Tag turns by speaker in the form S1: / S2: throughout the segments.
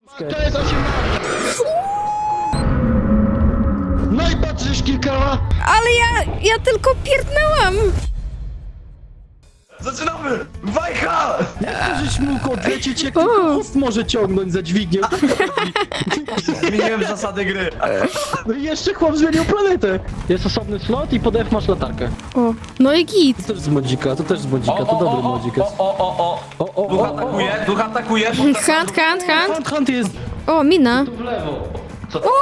S1: To jest 18. No i patrzysz kilka.
S2: Ale ja tylko pierdnęłam.
S3: Zaczynamy! Wajcha!
S1: Jak żeś mógł odlecieć, jak tylko host może ciągnąć za dźwignię?
S3: Zmieniłem zasady gry.
S1: No i jeszcze chłop zmienił planetę. Jest osobny slot i pod F masz latarkę.
S2: O, no i git.
S1: To też z modzika, to dobry modzik jest.
S3: O. Duch atakuje.
S2: Hunt.
S1: Hunt jest
S2: O, mina.
S1: tu w lewo. Co?
S2: O!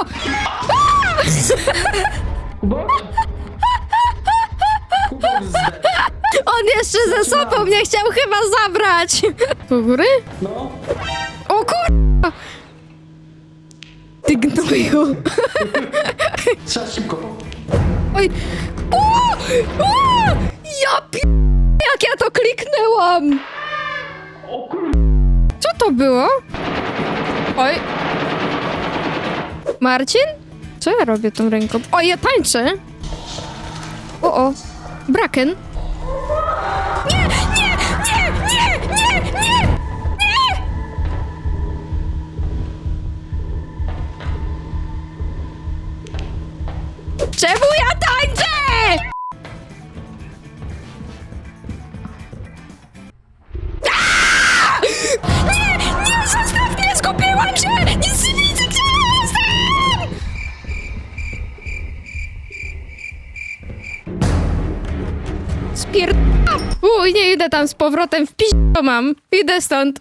S2: On jeszcze ze sobą mnie chciał chyba zabrać. Do góry?
S1: No.
S2: O kur... Ty gnoju.
S1: Trzeba szybko.
S2: Oj. O! Ja jak ja to kliknęłam.
S1: O kur...
S2: Co to było? Oj. Marcin? Co ja robię tą ręką? O, ja tańczę. O. Braken. Nie! Czemu ja tańczę? Aaa! Nie, zostaw mnie, skupiłam się! Nic nie widzę, gdzie ja jestem! Uj, nie idę tam z powrotem, w to mam. Idę stąd.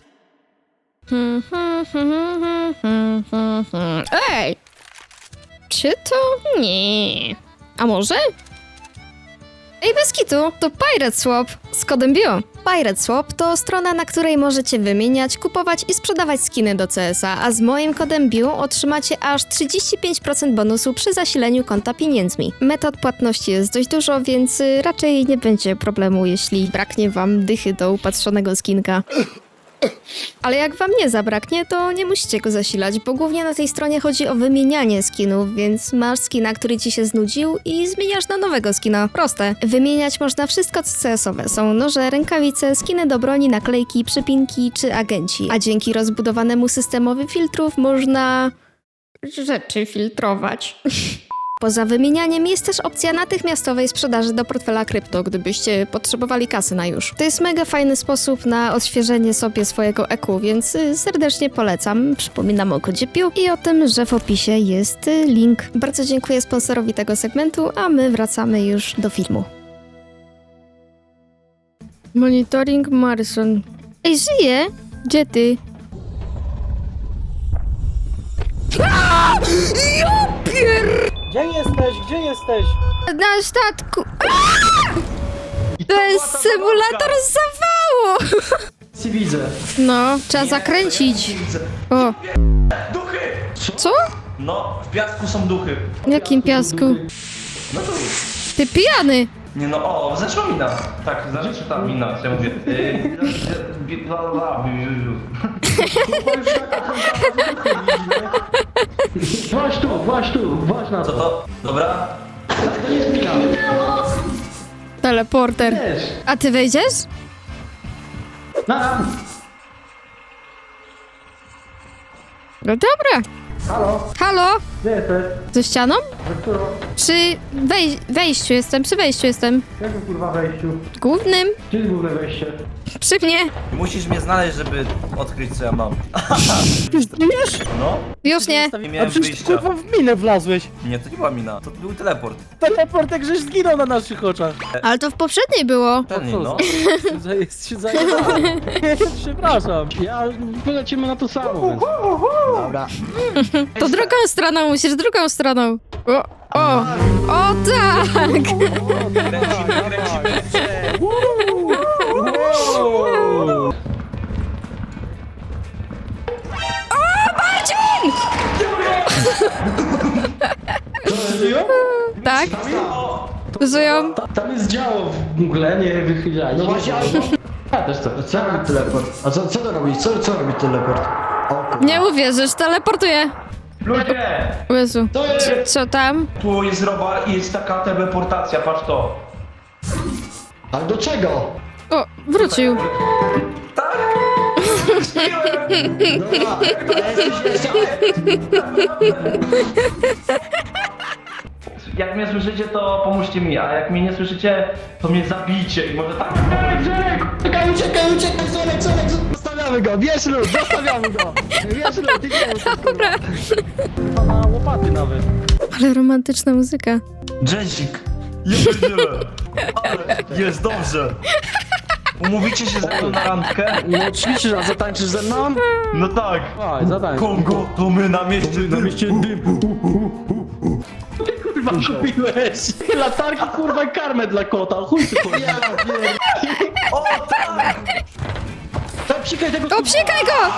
S2: Ej! Czy to? Nie. A może? Ej, bez kitu, to Pirate Swap z kodem BIO. Pirate Swap to strona, na której możecie wymieniać, kupować i sprzedawać skiny do CS-a, a z moim kodem BIO otrzymacie aż 35% bonusu przy zasileniu konta pieniędzmi. Metod płatności jest dość dużo, więc raczej nie będzie problemu, jeśli braknie wam dychy do upatrzonego skinka. Ale jak wam nie zabraknie, to nie musicie go zasilać, bo głównie na tej stronie chodzi o wymienianie skinów, więc masz skina, który ci się znudził i zmieniasz na nowego skina. Proste. Wymieniać można wszystko co CS-owe. Są noże, rękawice, skiny do broni, naklejki, przypinki czy agenci. A dzięki rozbudowanemu systemowi filtrów można... rzeczy filtrować. Poza wymienianiem jest też opcja natychmiastowej sprzedaży do portfela krypto, gdybyście potrzebowali kasy na już. To jest mega fajny sposób na odświeżenie sobie swojego EQ, więc serdecznie polecam. Przypominam o kodzie PIU i o tym, że w opisie jest link. Bardzo dziękuję sponsorowi tego segmentu, a my wracamy już do filmu. Monitoring Marson. Ej, żyje? Gdzie ty? Ja pier...
S4: Gdzie jesteś? Gdzie jesteś?
S2: Na statku. To jest symulator zawału.
S1: Ci widzę.
S2: No, trzeba zakręcić. O,
S3: Duchy!
S2: co?
S3: No, w piasku są duchy.
S2: W jakim piasku?
S3: No to...
S2: Ty pijany.
S3: Nie no, o, zaczęła mina. Tak, zaczęła ta mina, co ja mówię.
S1: Właź tu, właź na
S3: Co
S1: to.
S3: to? Dobra?
S1: To nie jest mina.
S2: Teleporter.
S1: Wiesz.
S2: A ty wejdziesz?
S1: Na.
S2: No dobra.
S1: Halo,
S2: Halo?
S1: gdzie jesteś?
S2: Ze ścianą?
S1: Za którą?
S2: Przy wejściu jestem, przy wejściu jestem.
S1: Jakim kurwa wejściu?
S2: Głównym.
S1: Gdzie jest główne wejście?
S2: Przy mnie.
S3: Musisz mnie znaleźć, żeby odkryć, co ja mam.
S4: Wiesz?
S3: No,
S2: Już nie.
S3: nie
S4: A
S3: miałem
S4: przecież
S3: wyjścia.
S4: kurwa w minę wlazłeś.
S3: Nie, to nie była mina, to był teleport.
S4: Teleport jak żeś zginął na naszych oczach.
S2: Ale to w poprzedniej było.
S3: Ten, no.
S4: Jest się zajebałem. Przepraszam.
S1: Ja, polecimy na to samo, więc...
S4: Dobra.
S2: To drugą stroną musisz, drugą stroną. O tak!
S3: Kręcimy.
S2: Tak? Żyją?
S1: Tam jest działo w mgle, nie wychylaj. No właśnie, ja też co?
S5: Co robi teleport? A co to robi? Co robi teleport? O kurwa.
S2: Nie uwierzysz, teleportuję.
S3: Ludzie!
S2: O Jezu.
S1: To jest...
S2: Co tam?
S3: Tu jest robar i jest taka teleportacja, patrz to.
S5: Ale do czego?
S2: O, wrócił.
S3: Tak?
S5: Dobra, jesteś
S3: Jak mnie słyszycie, to pomóżcie mi, a jak mnie nie słyszycie, to mnie zabijcie i może tak...
S5: Uciekaj, uciekaj, uciekaj, Solek, zostawiamy go, bierz lód, zostawiamy go. Bierz lód, idziemy.
S2: Dobra.
S4: Na łopaty nawet.
S2: Ale romantyczna muzyka.
S3: Jessic, ja pierdzielę. Ale jest dobrze. Umówicie się ze mną na randkę?
S1: No oczywiście, a zatańczysz ze mną?
S3: No tak.
S4: Dawaj, zadaj.
S3: Kongo, to my na mieście dym.
S1: Kurwa, kupiłeś latarki, kurwa, i karmę dla kota, chuj ty kurwa.
S5: Ja pierdolę.
S3: O tak!
S1: To psikaj tego
S2: O, psikaj go!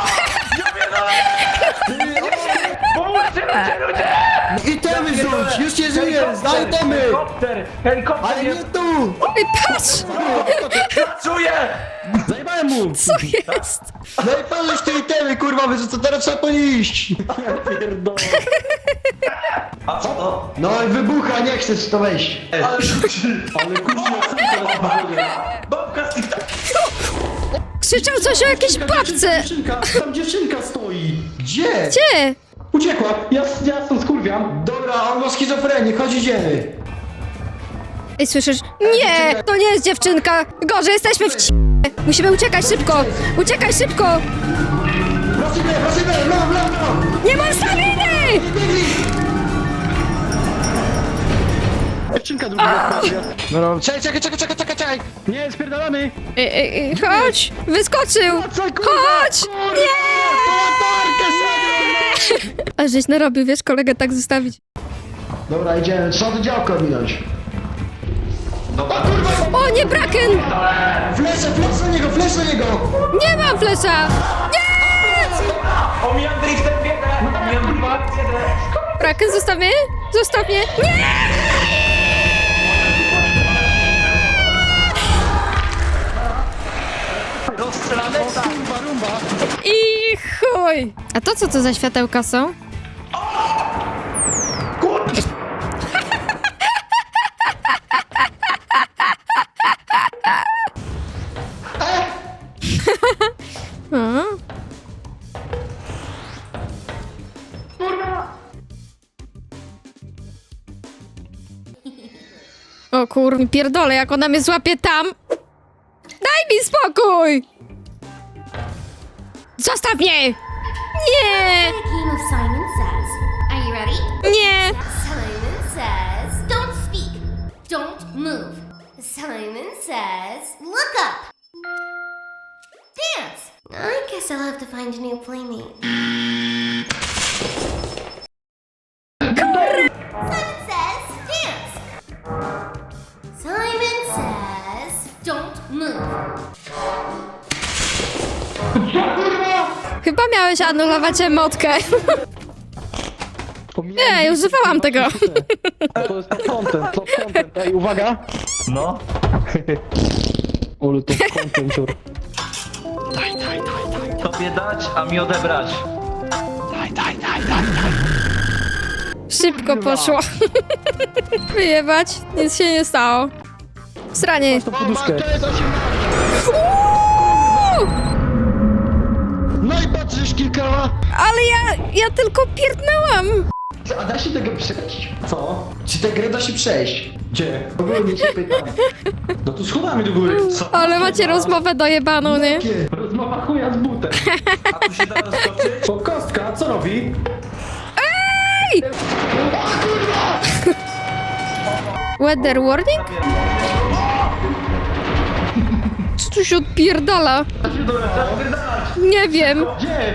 S3: Pomóżcie ludzie!
S5: Itemy rzuć, już cię żyję, daj itemy.
S3: Helikopter! Helikopter
S5: Ale nie
S3: jest...
S5: tu.
S2: Ej, patrz!
S3: Pracuję!
S1: Zajebałem mu!
S2: Co jest?
S5: No i pan już te itemy, kurwa, wyrzucę, teraz trzeba po nie iść.
S1: Ja pierdolę.
S3: A co to?
S5: No i wybucha, nie chcesz to wejść.
S3: Ale rzuci!
S1: Ale kurwa, co teraz powiedział?
S3: Babka z TikTok!
S2: Krzyczał coś o jakiejś babce!
S1: Tam dziewczynka stoi.
S5: Gdzie?
S2: Gdzie?
S1: Uciekła, ja stąd skurwiam.
S5: Dobra, on ma schizofrenię, chodź idziemy.
S2: Ej, słyszysz? Nie! To nie jest dziewczynka! Gorzej, jesteśmy w Musimy uciekać szybko! Uciekaj szybko!
S5: Prosimy, w lewo.
S2: Nie mam staminy!
S5: Biegli.
S1: Dziewczynka druga wpadła.
S5: No, czekaj.
S1: Nie, spierdalamy.
S2: Ej, chodź! Wyskoczył!
S1: Co, kurwa?
S2: Chodź! Nie!
S5: Latarkę sobie.
S2: A żeś narobił, wiesz, kolegę tak zostawić.
S5: Dobra, idziemy, trzeba do działka minąć.
S2: O, nie, Braken!
S5: Flash na niego.
S2: Nie mam flesza!
S3: Omijam driftem biedę! Omijam driftem biedę!
S2: Braken, zostaw mnie! Zostaw mnie! Nie!
S3: Rozstrzelane?
S1: Kurwa, rumba.
S2: I chuj! A to co to za światełka są? A? O kurwa, pierdolę, jak ona mnie złapie tam! Daj mi spokój! Zostaw mnie! Nie!
S6: A game of Simon Says. Are you ready?
S2: Nie!
S6: Simon says, don't speak, don't move. Simon says, look up. Dance. I guess I'll have to find a new playmate. Simon says, dance. Simon says, don't move.
S2: Chyba miałeś anulować emotkę. Nie, używałam tego.
S1: To jest top content. Ej, uwaga.
S3: No.
S1: Ole, top content, ciur.
S3: Tobie dać, a mi odebrać.
S2: Szybko poszło. Wyjebać, nic się nie stało. Sranie.
S1: To poduszkę.
S5: No i patrzysz kilka.
S2: Ale ja tylko pierdnęłam.
S5: A da się tego przejść?
S1: Co?
S5: Czy tę grę da się przejść?
S1: Gdzie?
S5: Ogólnie cię pytam.
S1: No tu schodami do góry. Co?
S2: Ale macie rozmowę dojebaną, nie?
S5: Jakie?
S1: Rozmowa chuja z butem.
S3: A tu się da rozskoczyć?
S1: O, kostka, co robi?
S2: Weather warning? Co tu się odpierdala? Nie wiem.
S1: Gdzie?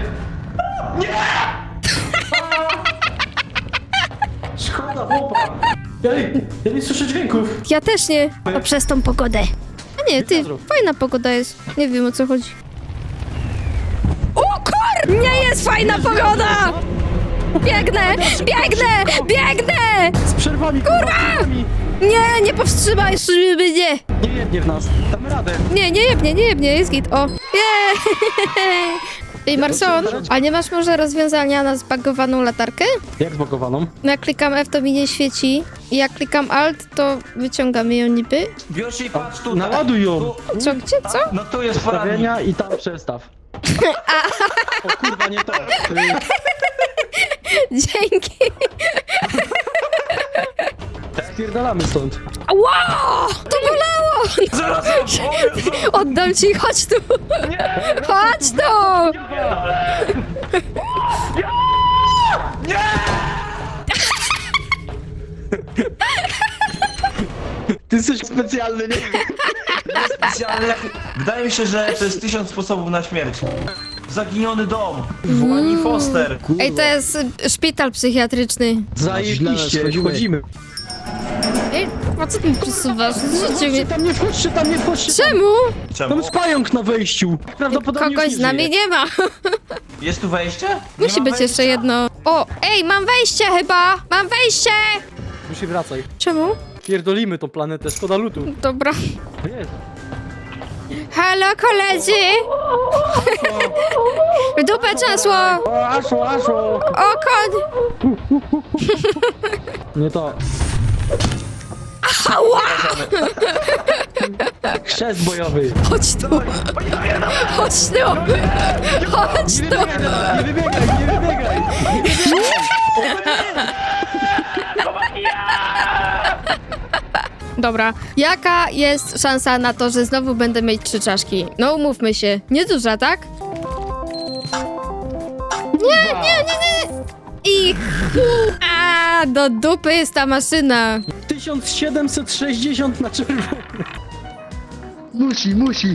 S1: Szkoda, chłopa. Ja nie słyszę dźwięków.
S2: Ja też nie. To przez tą pogodę. A nie, ty, fajna pogoda jest. Nie wiem, o co chodzi. O kur! Nie jest fajna pogoda! Biegnę!
S1: Z przerwami, kurwa!
S2: Nie, nie powstrzymaj mnie!
S1: Nie jednie w nas. Damy radę.
S2: Nie jebnie, jest git, o. Jej! Ej, Marson, a nie masz może rozwiązania na zbagowaną latarkę?
S1: Jak zbagowaną?
S2: No jak klikam F, to mi nie świeci. I jak klikam Alt, to wyciągamy ją niby.
S3: Bierz i patrz tutaj.
S1: Naładuj ją.
S3: Tu-
S2: Co, gdzie, co?
S3: No tu jest poradnik.
S1: Ustawienia i tam przestaw. O kurwa, nie to.
S2: Dzięki.
S1: Spierdalamy stąd.
S2: Wow! To bolało!
S3: Zaraz, o Jezu!
S2: Oddam ci, chodź tu! Chodź tu!
S1: Ty jesteś specjalny, nie?
S3: Specjalnie, wydaje mi się, że to jest 1000 sposobów na śmierć. Zaginiony dom. Włani Foster.
S2: Ej, to jest szpital psychiatryczny.
S1: Zajebiście, wchodzimy.
S2: Ej, po co ty mi przesuwasz? Zrzucił mnie.
S1: Tam nie wchodźcie, tam nie wchodźcie.
S2: Czemu?
S3: Czemu?
S1: Tam jest pająk na wejściu. Prawdopodobnie
S2: Kogoś
S1: już
S2: z nami
S1: żyje.
S2: nie ma.
S3: Jest tu wejście?
S2: Musi
S3: ma
S2: być jeszcze
S3: wejścia?
S2: jedno. O, ej, mam wejście chyba! Mam wejście!
S1: Musi wracaj.
S2: Czemu?
S1: Pierdolimy tą planetę, szkoda lutu.
S2: Dobra.
S1: Jest.
S2: Halo, koledzy! W dupę czasło!
S1: O, Aszo!
S2: O, koń!
S1: Nie to. Chrzest bojowy.
S2: Chodź tu! Chodź tu! Chodź
S1: Nie
S2: tu!
S1: wybiegaj, nie wybiegaj, nie wybiegaj.
S2: Dobra, jaka jest szansa na to, że znowu będę mieć 3 czaszki? No umówmy się, nieduża, tak? Nie! I... A, do dupy jest ta maszyna.
S1: 1760 na czerwono.
S5: Musi.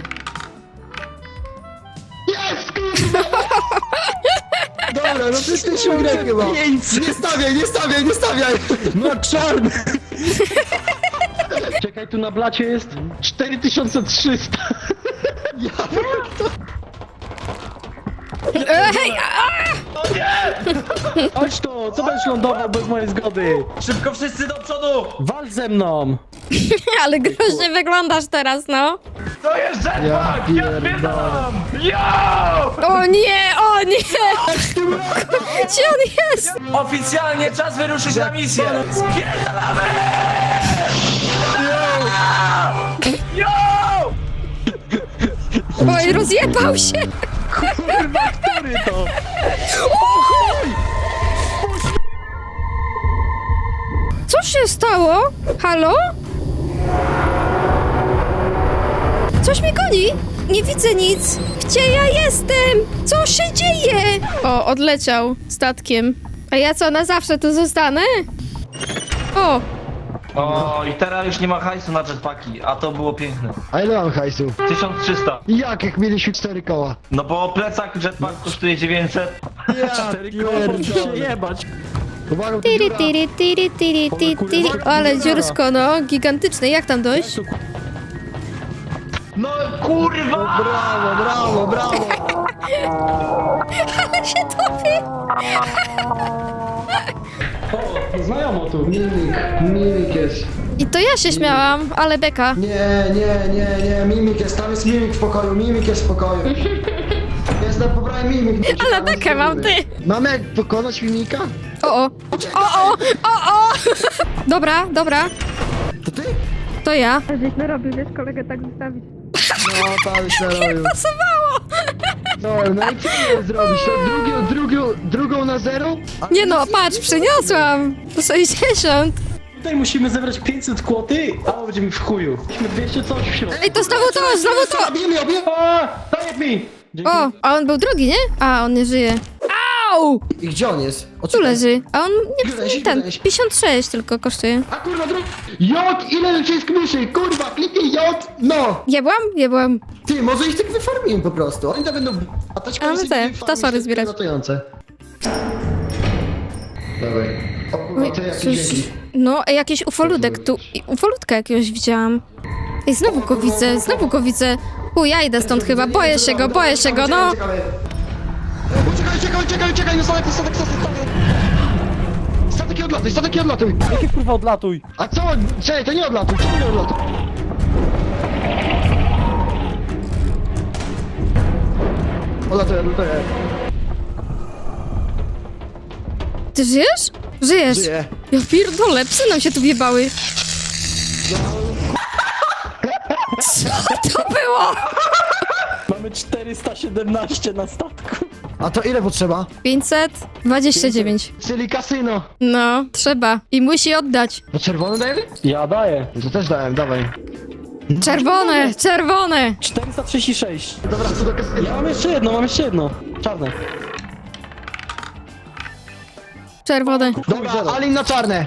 S5: Jest, kurwa! Dobra, no przecież grę chyba. Nie stawiaj!
S1: No czarny. Czekaj, tu na blacie jest 4300.
S2: Ej,
S1: Chodź tu, co będziesz lądował bez mojej zgody?
S3: Szybko wszyscy do przodu!
S1: Wal ze mną.
S2: ale groźnie wyglądasz teraz, no.
S3: To jest jetpack! Ja spierdalam! Yo!
S2: O nie, o nie! Gdzie on jest?
S3: Oficjalnie czas wyruszyć na misję! Spierdalamy! Yo!
S2: Oj, rozjebał się!
S1: Kurwa, który to?
S2: Co się stało? Halo? Coś mnie goni! Nie widzę nic! Gdzie ja jestem? Co się dzieje? O, odleciał statkiem. A ja co, na zawsze tu zostanę? O,
S3: O, i teraz już nie ma hajsu na jetpacki, a to było piękne.
S5: A ile mam hajsu?
S3: 1300.
S5: Jak mieliśmy 4 koła?
S3: No bo plecak jetpack kosztuje 900.
S1: Się jebać.
S5: Uwaga,
S2: tiri, tiri, tiri, tiri, tiri, tiri. Ale dziursko, no, gigantyczne. Jak tam dojść?
S3: No kurwa!
S5: Brawo!
S2: Ale się topi!
S1: O, znajomo tu.
S5: Mimik jest.
S2: I to ja się śmiałam, ale beka.
S5: Nie, mimik jest, tam jest mimik w pokoju, Jestem, pobrałem mimik.
S2: Ale bekę mam, ty!
S5: Mamy jak pokonać mimika?
S2: O! Dobra.
S5: To ty?
S2: To ja.
S5: No, tak, serio.
S2: Pasowało!
S5: No i co miałem zrobić? To drugą na zero?
S2: Nie no, patrz, przyniosłam! 60.
S1: Tutaj musimy zebrać 500 kłoty, a będziemy w chuju. Musimy 200 coś w środku.
S2: Ej, to znowu to!
S5: Obijmy!
S1: A, daj mi! Dzięki.
S2: O, a on był drugi, nie? A, on nie żyje. Au!
S5: I gdzie on jest?
S2: Tu leży. A on
S5: Weź,
S2: nie ten.
S5: weź.
S2: 56 tylko kosztuje.
S5: A kurwa, J! Ile nacisk myszy? Kurwa, kliknij J! No!
S2: Jebłam?
S5: Ty, może ich tak wyfarmimy po prostu. Oni to będą... A to
S2: A my te, ptasory zbierać.
S5: Latające. Dawaj. O kurwa, to jakieś
S2: Coś...
S5: dzięki.
S2: No, jakiś ufoludek tu. Ufoludka jakiegoś widziałam. Ej, znowu go widzę. Ja idę stąd chyba, boję się go, no.
S5: Uciekaj, no statek. Statek i odlatuj.
S1: Jakie kurwa odlatuj?
S5: A co? Czekaj, to nie odlatuj, Odlatuję.
S2: Ty żyjesz? Żyjesz.
S5: Żyję.
S2: Ja pierdolę, psy nam się tu wjebały. Co to było?
S1: Mamy 417 na statku.
S5: A to ile potrzeba?
S2: 529.
S5: Czyli kasyno.
S2: No, trzeba. I musi oddać.
S5: No czerwony dajemy?
S1: Ja daję.
S5: To też dałem, dawaj.
S2: Czerwone, czerwone.
S1: 436.
S5: Dobra, co do kasyna.
S1: Ja mam jeszcze jedno. Czarne.
S2: Czerwone.
S5: Dobra, Alin na czarne.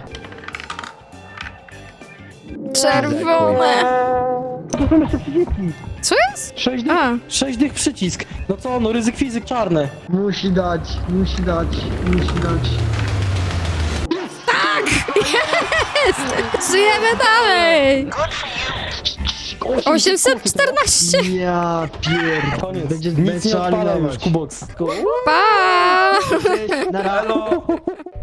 S2: Czerwone.
S1: To są jeszcze przyciski.
S2: Co jest?
S1: 6
S2: A.
S1: 6 dych przycisk. No co, no ryzyk fizyk czarne.
S5: Musi dać.
S2: Żyjemy dalej. 814.
S5: Ja pier...
S1: Koniec.
S5: Będzie
S1: Nic nie
S5: trzeba
S1: odpada
S5: alinować.
S1: już, Kubox.
S2: Pa!
S5: Na razie.
S3: Halo!